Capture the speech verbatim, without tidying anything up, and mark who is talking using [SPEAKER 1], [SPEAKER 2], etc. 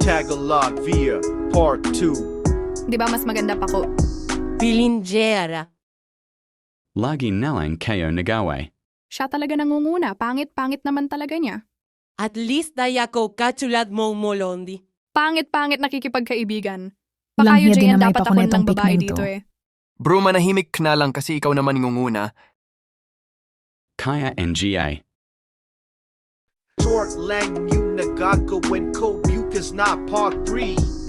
[SPEAKER 1] Tagalog via Part two.
[SPEAKER 2] Di ba mas maganda pa ko?
[SPEAKER 3] Pilingera.
[SPEAKER 4] Lagi nalang kayo nagawe.
[SPEAKER 2] Siya talaga nangunguna. Pangit-pangit naman talaga niya.
[SPEAKER 3] At least daya ko katulad mong molondi.
[SPEAKER 2] Pangit-pangit nakikipagkaibigan.
[SPEAKER 5] Lang
[SPEAKER 2] Pakayo
[SPEAKER 5] hiya din
[SPEAKER 2] Jay,
[SPEAKER 5] na may
[SPEAKER 2] dapat ako
[SPEAKER 5] pakunetang
[SPEAKER 2] ng babae
[SPEAKER 5] pikmin
[SPEAKER 2] dito
[SPEAKER 5] to.
[SPEAKER 2] eh.
[SPEAKER 6] Bro, manahimik ka na lang kasi ikaw naman ngunguna.
[SPEAKER 4] Kaya N G A.
[SPEAKER 1] Short lang yung nagagawin ko, Bucas na Part three.